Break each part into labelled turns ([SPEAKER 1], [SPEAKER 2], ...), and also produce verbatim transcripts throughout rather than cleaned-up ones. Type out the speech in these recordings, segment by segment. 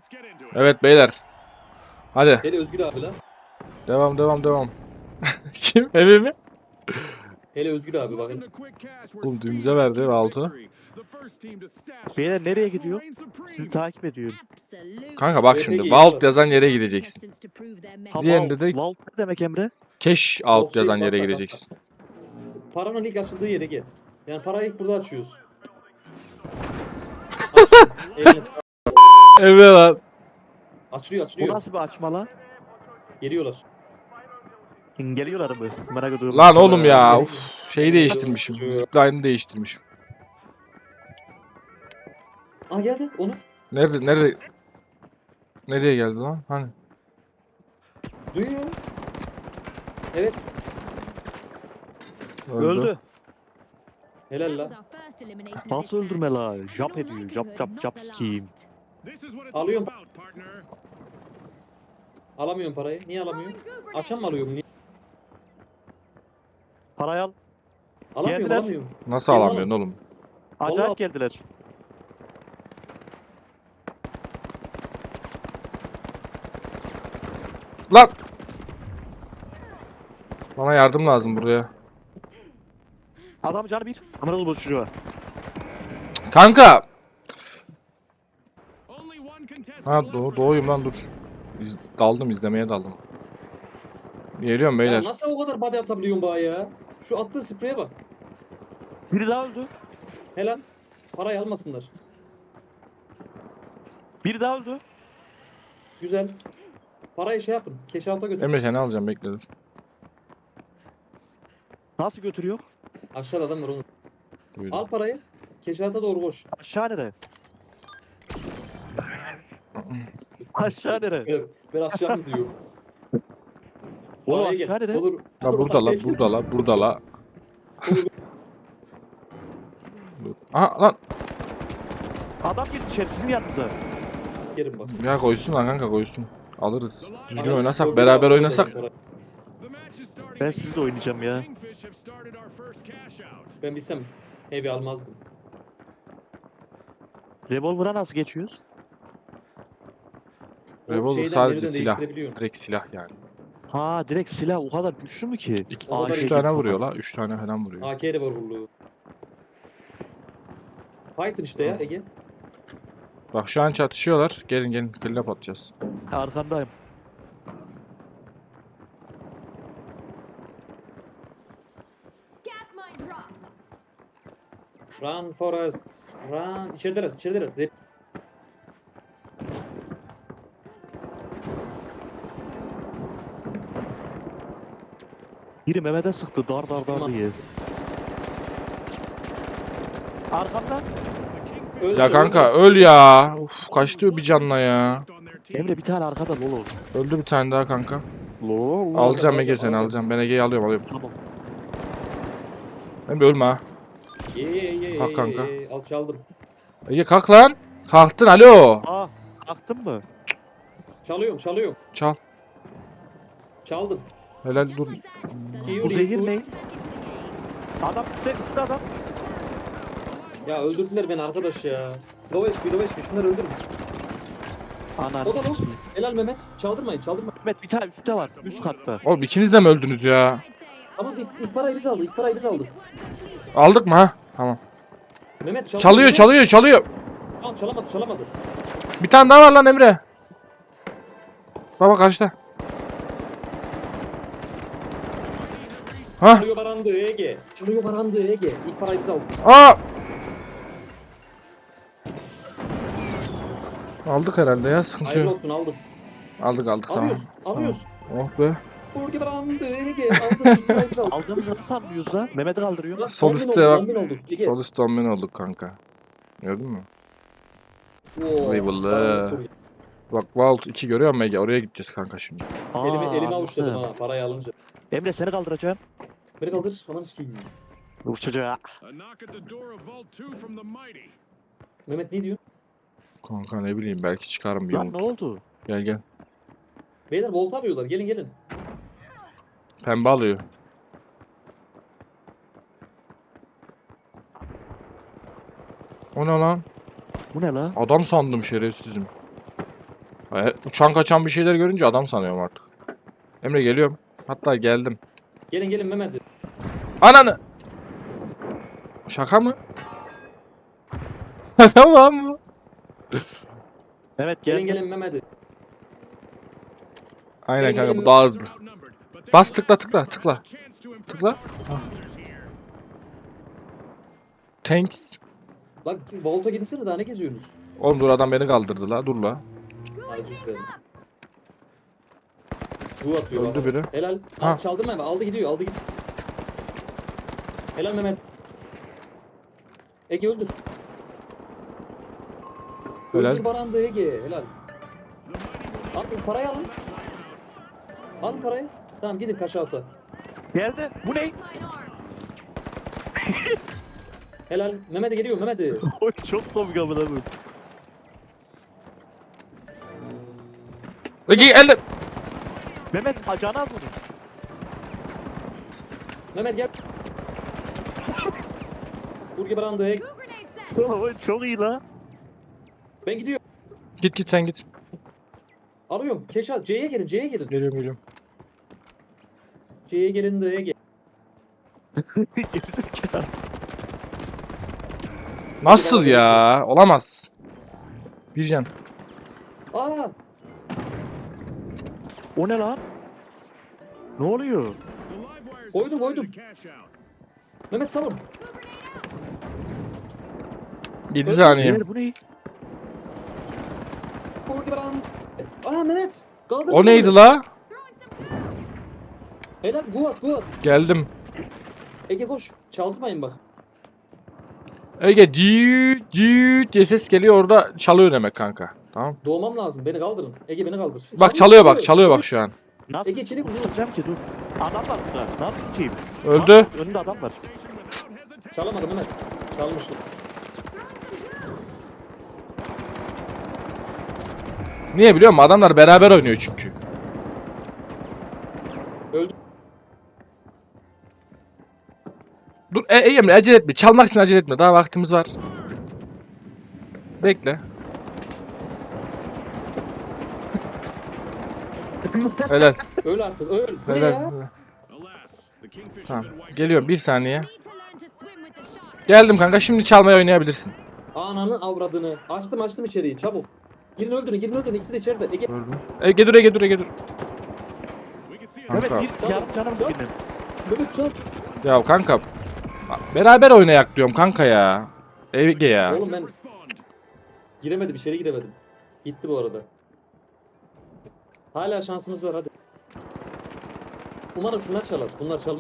[SPEAKER 1] Evet beyler. Hadi.
[SPEAKER 2] Hele Özgür abi lan.
[SPEAKER 1] Devam devam devam. Kim? Evi mi?
[SPEAKER 2] Hele Özgür abi bakın.
[SPEAKER 1] Oğlum düğümüze verdi Valt'ı.
[SPEAKER 3] Beyler nereye gidiyor? Sizi takip ediyorum.
[SPEAKER 1] Kanka bak
[SPEAKER 2] R P G
[SPEAKER 1] şimdi.
[SPEAKER 2] yeri var.
[SPEAKER 1] Vault yazan yere gideceksin.
[SPEAKER 3] Ha,
[SPEAKER 1] Diğerinde de
[SPEAKER 3] Vault. Vault ne demek Emre?
[SPEAKER 1] cash
[SPEAKER 2] Vault
[SPEAKER 1] out
[SPEAKER 2] şey,
[SPEAKER 1] yazan yere
[SPEAKER 2] kasa,
[SPEAKER 1] gideceksin.
[SPEAKER 2] Paranın ilk açıldığı yere gel. Yani parayı ilk burada açıyoruz. Açtım. Eline sağlık.
[SPEAKER 1] Evet lan.
[SPEAKER 2] Açılıyor
[SPEAKER 3] Bu
[SPEAKER 2] açılıyor.
[SPEAKER 3] nasıl bir açma lan?
[SPEAKER 2] Geliyorlar.
[SPEAKER 3] Geliyorlar mı? Merak ediyorum.
[SPEAKER 1] Lan oğlum ya. Uf, şeyi değiştirmişim. Zipline'ı değiştirmişim.
[SPEAKER 2] Aa geldi Onur.
[SPEAKER 1] Nerede nerede? Nereye geldi lan? Hani?
[SPEAKER 2] Duyuyor. Evet.
[SPEAKER 1] Öldü.
[SPEAKER 3] Öldü.
[SPEAKER 2] Helal la.
[SPEAKER 3] Nasıl öldürme la? Jump ediyor. Jump jump jump sikiyim.
[SPEAKER 2] Alıyorum. Alamıyorum parayı. Niye alamıyorum? Akşam mı alıyorum? Niye?
[SPEAKER 3] Parayı al.
[SPEAKER 2] Alamıyorum
[SPEAKER 3] Geldiler.
[SPEAKER 2] alamıyorum.
[SPEAKER 1] Nasıl
[SPEAKER 2] Gel
[SPEAKER 1] alamıyorsun oğlum?
[SPEAKER 3] Acayip
[SPEAKER 2] Vallahi-
[SPEAKER 3] geldiler.
[SPEAKER 1] Lan! Bana yardım lazım buraya.
[SPEAKER 3] Adam canı bir. Amına bu çocuğa.
[SPEAKER 1] Kanka! Ha doğ doğuyum lan dur. İz daldım izlemeye daldım. Geliyorum
[SPEAKER 2] Ya
[SPEAKER 1] beyler.
[SPEAKER 2] nasıl o kadar body atabiliyorsun bana ya? Şu attığı spreye bak.
[SPEAKER 3] Biri daha öldü.
[SPEAKER 2] Helal. Parayı almasınlar.
[SPEAKER 3] Biri daha öldü.
[SPEAKER 2] Güzel. Parayı şey yapın. Keşalta götür.
[SPEAKER 1] Emre seni alacağım bekle dur.
[SPEAKER 3] Nasıl götürüyor?
[SPEAKER 2] Aşağıda adam var onu.
[SPEAKER 1] Buyurun.
[SPEAKER 2] Al parayı. Keşalta doğru koş.
[SPEAKER 3] Aşağı nere? Aşağı nere?
[SPEAKER 2] Evet, ben aşağı gidiyorum.
[SPEAKER 3] Oğlum
[SPEAKER 2] Paraya gel.
[SPEAKER 3] aşağı nere?
[SPEAKER 2] Olur.
[SPEAKER 1] La burada la burada la burada la. Dur. Aha lan.
[SPEAKER 3] Adam girdi içeri sizin yanınıza.
[SPEAKER 2] Yerim bak.
[SPEAKER 1] Ya koysun lan kanka koysun. Alırız. Düzgün
[SPEAKER 2] Adam-
[SPEAKER 1] oynasak
[SPEAKER 2] Özgür
[SPEAKER 1] beraber
[SPEAKER 2] abi
[SPEAKER 1] oynasak.
[SPEAKER 2] parayı.
[SPEAKER 3] Ben sizle oynayacağım ya.
[SPEAKER 2] Ben bilsem heavy almazdım.
[SPEAKER 3] Revolver'a nasıl geçiyoruz?
[SPEAKER 2] O
[SPEAKER 1] Revolver
[SPEAKER 2] şeyden
[SPEAKER 1] sadece
[SPEAKER 2] menüden
[SPEAKER 1] silah.
[SPEAKER 2] değiştirebiliyorsun.
[SPEAKER 1] Direkt silah yani.
[SPEAKER 3] Ha direkt silah o kadar güçlü mü ki?
[SPEAKER 1] İki,
[SPEAKER 2] O kadar
[SPEAKER 1] üç
[SPEAKER 2] iyi
[SPEAKER 1] tane
[SPEAKER 3] falan.
[SPEAKER 1] vuruyor la. Üç tane falan vuruyor.
[SPEAKER 2] A K de var vuruluğu. Fighter işte ya Ege.
[SPEAKER 1] Bak şu an çatışıyorlar. Gelin gelin killap atacağız.
[SPEAKER 3] Arkandayım.
[SPEAKER 2] Run Forest. Run. İçerideler içerideler. Rep-
[SPEAKER 3] Biri Mehmet'e sıktı dar dar dar
[SPEAKER 2] Tamam.
[SPEAKER 3] diye. Arkamdan.
[SPEAKER 2] Öldü,
[SPEAKER 1] Ya kanka
[SPEAKER 2] öldü.
[SPEAKER 1] öl ya. Uf kaçtı bir canla ya.
[SPEAKER 3] Emre bir tane arkada lolo.
[SPEAKER 1] Öldü bir tane daha kanka.
[SPEAKER 3] Lolo.
[SPEAKER 1] Alacağım Ege
[SPEAKER 2] alacağım,
[SPEAKER 1] seni
[SPEAKER 2] alacağım.
[SPEAKER 1] alacağım. Ben Ege'yi alıyorum alıyorum.
[SPEAKER 3] Tamam.
[SPEAKER 1] Emre ölme ha.
[SPEAKER 2] Ye ye ye ye
[SPEAKER 1] Kalk kanka.
[SPEAKER 2] ye, ye. Al çaldım.
[SPEAKER 1] Ege kalk lan. Kalktın alo.
[SPEAKER 3] Aa kalktın mı?
[SPEAKER 2] Çalıyorum çalıyorum.
[SPEAKER 1] Çal.
[SPEAKER 2] Çaldım.
[SPEAKER 1] Helal dur.
[SPEAKER 3] Bu zehir ne? Adam üstte üstte adam.
[SPEAKER 2] Ya öldürdüler beni arkadaş ya. Loveş bir loveş bir şunları öldürün.
[SPEAKER 3] Ananı
[SPEAKER 2] O da
[SPEAKER 3] sikeyim.
[SPEAKER 2] Helal Mehmet. Çaldırmayın çaldırmayın.
[SPEAKER 3] Mehmet bir tane üstte var. Üst katta.
[SPEAKER 1] Oğlum ikiniz de mi öldünüz ya?
[SPEAKER 2] Ama ilk, ilk parayı biz aldık. İlk parayı biz aldık.
[SPEAKER 1] Aldık mı ha? Tamam.
[SPEAKER 2] Mehmet çaldı.
[SPEAKER 1] Çalıyor çalıyor çalıyor.
[SPEAKER 2] Tamam çalamadı çalamadı.
[SPEAKER 1] Bir tane daha var lan Emre. Baba karşıda. Ha?
[SPEAKER 2] Çalıyor barandı Ege. Çalıyor barandı Ege. İlk parayı biz aldık.
[SPEAKER 1] Aa! Aldık herhalde ya sıkıntı
[SPEAKER 2] Hayırlı
[SPEAKER 1] yok.
[SPEAKER 2] olsun aldım.
[SPEAKER 1] Aldık aldık tamam.
[SPEAKER 2] Alıyoruz. Alıyoruz.
[SPEAKER 1] Oh be.
[SPEAKER 2] Burgi barandı Ege. Aldık ilk parayı biz aldık.
[SPEAKER 3] Aldığımızı nasıl anlıyoruz lan? Mehmet'i kaldırıyor.
[SPEAKER 2] Lan
[SPEAKER 1] Sol
[SPEAKER 2] on bin
[SPEAKER 1] üstte
[SPEAKER 2] olduk,
[SPEAKER 1] bak.
[SPEAKER 2] on bin olduk. Ege.
[SPEAKER 1] Sol üst domino olduk kanka. Gördün mü?
[SPEAKER 2] Oo,
[SPEAKER 1] Eyvallah.
[SPEAKER 2] barandı kur-
[SPEAKER 1] Bak Vault iki görüyor musun Ege? Oraya gideceğiz kanka şimdi.
[SPEAKER 3] Aa,
[SPEAKER 2] Elimi, elimi
[SPEAKER 3] anladım.
[SPEAKER 2] avuçladım ha parayı alınca.
[SPEAKER 3] Emre seni kaldıracağım.
[SPEAKER 2] Beni kaldır. Aman sikeyim.
[SPEAKER 3] Bu çocuğa.
[SPEAKER 2] Mehmet ne diyor?
[SPEAKER 1] Kanka ne bileyim belki çıkarım bir
[SPEAKER 3] Lan ne
[SPEAKER 1] umut.
[SPEAKER 3] oldu?
[SPEAKER 1] Gel gel.
[SPEAKER 2] Beyler volt arıyorlar. Gelin gelin.
[SPEAKER 1] Pembe alıyor. O ne lan?
[SPEAKER 3] Bu ne la?
[SPEAKER 1] Adam sandım şerefsizim. E, uçan kaçan bir şeyler görünce adam sanıyorum artık. Emre geliyorum. Hatta geldim.
[SPEAKER 2] Gelin gelin Mehmet.
[SPEAKER 1] Ananı! Şaka mı? Tamam mı?
[SPEAKER 3] Evet
[SPEAKER 2] Gelin
[SPEAKER 3] gel.
[SPEAKER 2] gelin Mehmet.
[SPEAKER 1] Aynen
[SPEAKER 2] Gelin,
[SPEAKER 1] kanka
[SPEAKER 2] gelin.
[SPEAKER 1] bu daha hızlı. Bas tıkla tıkla tıkla. Tıkla. Thanks.
[SPEAKER 2] Bak Volt'a gitsene daha ne geziyorsunuz?
[SPEAKER 1] Oğlum dur adam beni kaldırdı la dur la.
[SPEAKER 2] Ay özür dilerim. Bu atıyor.
[SPEAKER 1] Öldü
[SPEAKER 2] bak.
[SPEAKER 1] biri.
[SPEAKER 2] Helal.
[SPEAKER 1] Ha.
[SPEAKER 2] Ha. Çaldı Mehmet. Aldı gidiyor. Aldı gidiyor. Helal Mehmet. Ege öldür.
[SPEAKER 1] Helal.
[SPEAKER 2] Öldür Baran'da Ege. Helal. Al parayı alın. Alın parayı. Tamam gidin kaşaltı.
[SPEAKER 3] Geldi. Bu ne?
[SPEAKER 2] Helal. Mehmet'e geliyor Mehmet'e.
[SPEAKER 3] Oy çok komik amına koyayım.
[SPEAKER 1] Peki elde.
[SPEAKER 3] Mehmet acana az bunu.
[SPEAKER 2] Mehmet gel. Burge Baran'da Ege.
[SPEAKER 3] Oy çok iyi la.
[SPEAKER 2] Ben gidiyorum.
[SPEAKER 1] Git git sen git.
[SPEAKER 2] Arıyorum. Keşal. C'ye gelin. C'ye gelin.
[SPEAKER 1] Geliyorum geliyorum.
[SPEAKER 2] C'ye gelin de Ege.
[SPEAKER 3] Gerizekalı.
[SPEAKER 1] Nasıl ya? Olamaz. Bir can.
[SPEAKER 2] Aa.
[SPEAKER 3] O ne lan? Ne oluyor?
[SPEAKER 2] Koydum koydum. Mehmet savun.
[SPEAKER 1] yedi saniye.
[SPEAKER 3] Diğer bu ne?
[SPEAKER 2] Burge Baran. Aa Mehmet. Kaldır.
[SPEAKER 1] O neydi la?
[SPEAKER 2] Helal. Guat Guat.
[SPEAKER 1] Geldim.
[SPEAKER 2] Ege koş. Çaldırmayın bak.
[SPEAKER 1] Ege düğüt düğüt diye ses geliyor orada çalıyor demek kanka. Tamam.
[SPEAKER 2] Doğmam lazım. Beni kaldırın. Ege beni kaldır.
[SPEAKER 1] Bak çalıyor bak çalıyor bak şu an.
[SPEAKER 3] Nasıl
[SPEAKER 2] Ege çelik vur.
[SPEAKER 3] tutacağım ki dur. Adam var burada. Ne yapayım?
[SPEAKER 1] Öldü.
[SPEAKER 3] Lan, önünde adam var.
[SPEAKER 2] Çalamadım Mehmet. Çalmıştım.
[SPEAKER 1] Niye biliyor musun? Adamlar beraber oynuyor çünkü.
[SPEAKER 2] Öldü.
[SPEAKER 1] Dur e, e, Emre acele etme. Çalmak için acele etme. Daha vaktimiz var. Bekle. Helal.
[SPEAKER 2] Öl artık. Öl. Bu ne
[SPEAKER 1] Helal.
[SPEAKER 2] ya?
[SPEAKER 1] helal. Tamam. Geliyorum bir saniye. Geldim kanka. Şimdi çalmaya oynayabilirsin.
[SPEAKER 2] Ananı avradını. Açtım açtım içeriği. Çabuk. Girin öldürün. Girin öldürün. İkisi de içeride. Ege.
[SPEAKER 1] Öldüm. Ege dur Ege dur Ege dur.
[SPEAKER 3] Mehmet
[SPEAKER 1] Kanka.
[SPEAKER 3] bir yarım canımız
[SPEAKER 2] Çal.
[SPEAKER 3] benim.
[SPEAKER 2] Mehmet çal.
[SPEAKER 1] Ya kanka. Beraber oynayak diyorum kanka ya. Ege ya.
[SPEAKER 2] Oğlum ben giremedim. İçeri giremedim. Gitti bu arada. Hala şansımız var hadi. Umarım şunlar çalar. Bunlar çal.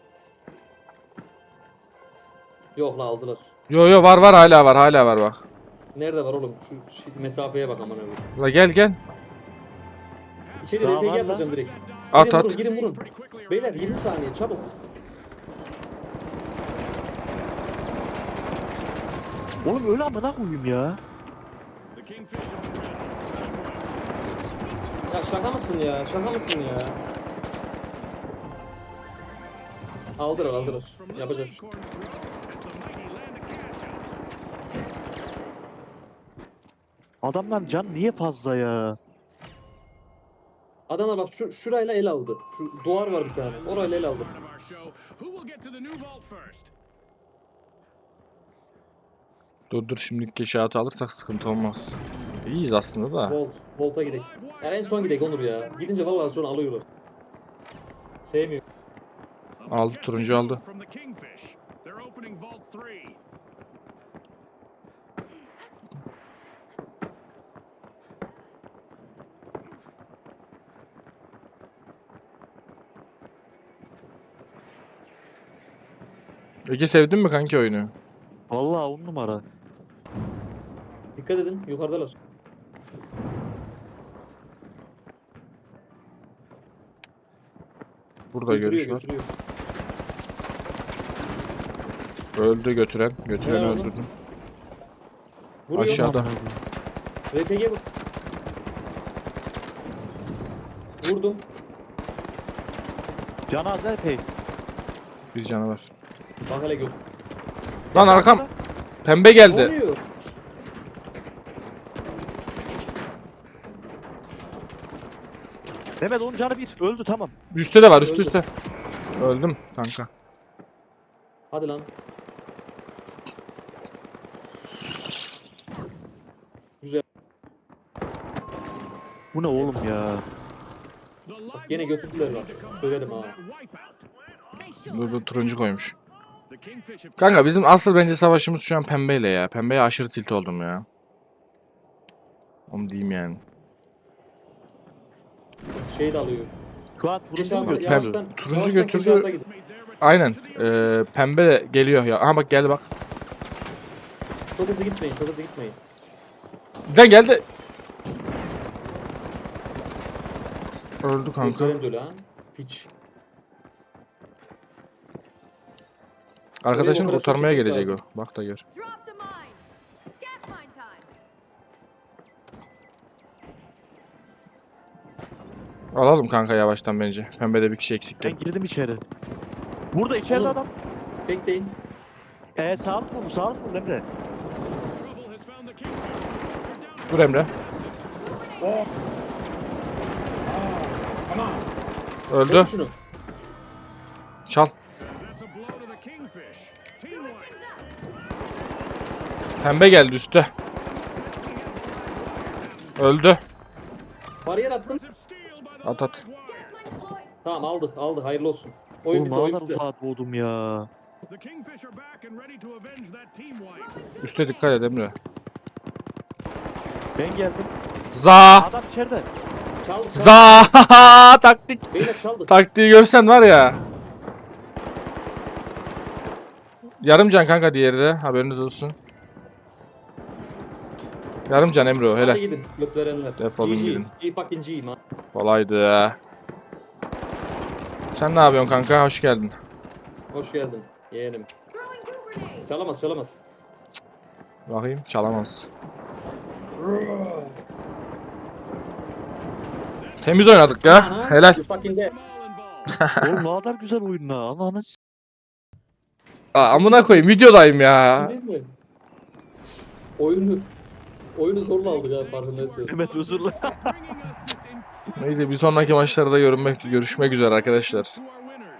[SPEAKER 2] Yok la aldılar.
[SPEAKER 1] Yo yo var var hala var hala var bak.
[SPEAKER 2] Nerede var oğlum? Şu, şu mesafeye bak aman öyle.
[SPEAKER 1] La gel gel.
[SPEAKER 2] İçeri
[SPEAKER 3] Daha
[SPEAKER 2] R P G
[SPEAKER 3] var lan.
[SPEAKER 2] atacağım direkt.
[SPEAKER 1] At
[SPEAKER 2] girin
[SPEAKER 1] at.
[SPEAKER 2] vurun, girin vurun. Beyler yirmi saniye çabuk.
[SPEAKER 3] Oğlum öyle amına koyayım ya.
[SPEAKER 2] Ya şaka mısın ya? Şaka mısın ya? Aldırır aldırır. Yapacak. bir şey.
[SPEAKER 3] Adamlar can niye fazla ya?
[SPEAKER 2] Adamlar bak şu şurayla el aldı. Şu duvar var bir tane. Orayla el aldı.
[SPEAKER 1] Dur dur şimdi keşahatı alırsak sıkıntı olmaz. İyiyiz aslında da.
[SPEAKER 2] Volt. Volt'a gidelim. Ya en son gidelim Onur ya. Gidince vallahi sonra alıyorlar. Sevmiyor.
[SPEAKER 1] Aldı turuncu aldı. Ege sevdin mi kanki oyunu?
[SPEAKER 3] Vallahi on numara.
[SPEAKER 2] Dikkat edin yukarıdalar.
[SPEAKER 1] Burada görüş var.
[SPEAKER 2] götürüyor.
[SPEAKER 1] Öldü götüren. Götüreni
[SPEAKER 2] Helal olsun.
[SPEAKER 1] öldürdüm.
[SPEAKER 2] Vuruyor.
[SPEAKER 1] Aşağıda.
[SPEAKER 2] R P G vur. Vurdum.
[SPEAKER 3] Cenaze epey.
[SPEAKER 1] Bir canı var.
[SPEAKER 2] Bak hele gör.
[SPEAKER 1] Lan arkam. Pembe
[SPEAKER 2] Ne
[SPEAKER 1] geldi.
[SPEAKER 2] oluyor?
[SPEAKER 3] Mehmet onun canı bir. Öldü tamam.
[SPEAKER 1] Üstte de var üst
[SPEAKER 2] Öldü.
[SPEAKER 1] üste. Öldüm kanka.
[SPEAKER 2] Hadi lan. Güzel.
[SPEAKER 3] Bu ne oğlum ya?
[SPEAKER 2] Bak yine götürdüler bak. Söyledim ha.
[SPEAKER 1] Bu, bu turuncu koymuş. Kanka bizim asıl bence savaşımız şu an pembeyle ya. Pembeye aşırı tilt oldum ya. Onu diyeyim yani.
[SPEAKER 2] Şey de alıyor.
[SPEAKER 3] Şu an
[SPEAKER 2] Geç
[SPEAKER 3] turuncu mu
[SPEAKER 2] abi,
[SPEAKER 3] götürdü?
[SPEAKER 2] yavaştan.
[SPEAKER 1] Turuncu
[SPEAKER 2] yavaştan
[SPEAKER 1] götürdü.
[SPEAKER 2] kuşağıza gidin.
[SPEAKER 1] Aynen. Ee, pembe de geliyor ya. Aha bak geldi bak.
[SPEAKER 2] Çok hızlı gitmeyin, çok hızlı gitmeyin.
[SPEAKER 1] Can geldi. Öldü kanka.
[SPEAKER 2] Gökdelen dölü ha. Piç.
[SPEAKER 1] Arkadaşın
[SPEAKER 2] Oraya
[SPEAKER 1] kurtarmaya
[SPEAKER 2] operasyon
[SPEAKER 1] gelecek o.
[SPEAKER 2] çekmek
[SPEAKER 1] Bak da gör.
[SPEAKER 4] Drop the mine. Gas mine time.
[SPEAKER 1] Alalım kanka yavaştan bence. Pembede bir kişi eksikti.
[SPEAKER 3] Ben girdim içeri. Burada içeride
[SPEAKER 2] Oğlum.
[SPEAKER 3] adam.
[SPEAKER 2] Bekleyin.
[SPEAKER 3] Ee sağlık vurdu sağlık vurdu Emre.
[SPEAKER 1] Dur Emre. Öldü.
[SPEAKER 2] Çek şunu.
[SPEAKER 1] Çal. Pembe geldi üstte. Öldü.
[SPEAKER 2] Bariyer attım.
[SPEAKER 1] At at.
[SPEAKER 2] Tamam aldı, aldı. Hayırlı olsun. Oyun
[SPEAKER 3] Oğlum
[SPEAKER 2] bizde,
[SPEAKER 3] ne
[SPEAKER 2] oyun
[SPEAKER 3] kadar
[SPEAKER 2] bizde.
[SPEAKER 3] uzağa doğdum ya.
[SPEAKER 1] Üste dikkat et Emre.
[SPEAKER 3] Ben geldim.
[SPEAKER 1] Za.
[SPEAKER 3] Adam içeride.
[SPEAKER 2] Çal, çal.
[SPEAKER 1] Za. Taktik.
[SPEAKER 2] Beyler çaldı.
[SPEAKER 1] Taktiği görsen var ya. Yarım can kanka diğeri de. Haberiniz olsun. Yarım can Emre o.
[SPEAKER 2] Hadi
[SPEAKER 1] Helal.
[SPEAKER 2] gidin. Göt verenler.
[SPEAKER 1] Defolun
[SPEAKER 2] G G.
[SPEAKER 1] gidin.
[SPEAKER 2] G fucking G man.
[SPEAKER 1] Kolaydı. Sen ne yapıyorsun kanka? Hoş geldin.
[SPEAKER 2] Hoş geldin. Yeğenim.
[SPEAKER 4] Throwing goo grenade.
[SPEAKER 2] Çalamaz, çalamaz.
[SPEAKER 1] Bakayım çalamaz. Temiz oynadık ya.
[SPEAKER 2] Aha,
[SPEAKER 1] Helal.
[SPEAKER 2] you fucking dead.
[SPEAKER 3] Oğlum ne kadar güzel oyun la. Allah'ını s-
[SPEAKER 1] Aa, amına koyayım videodayım ya.
[SPEAKER 2] Değil mi? Oyunu oyunu zorla aldık ha farkındaysanız.
[SPEAKER 3] Mehmet özür dilerim.
[SPEAKER 1] Neyse bir sonraki maçlarda görünmek görüşmek üzere arkadaşlar.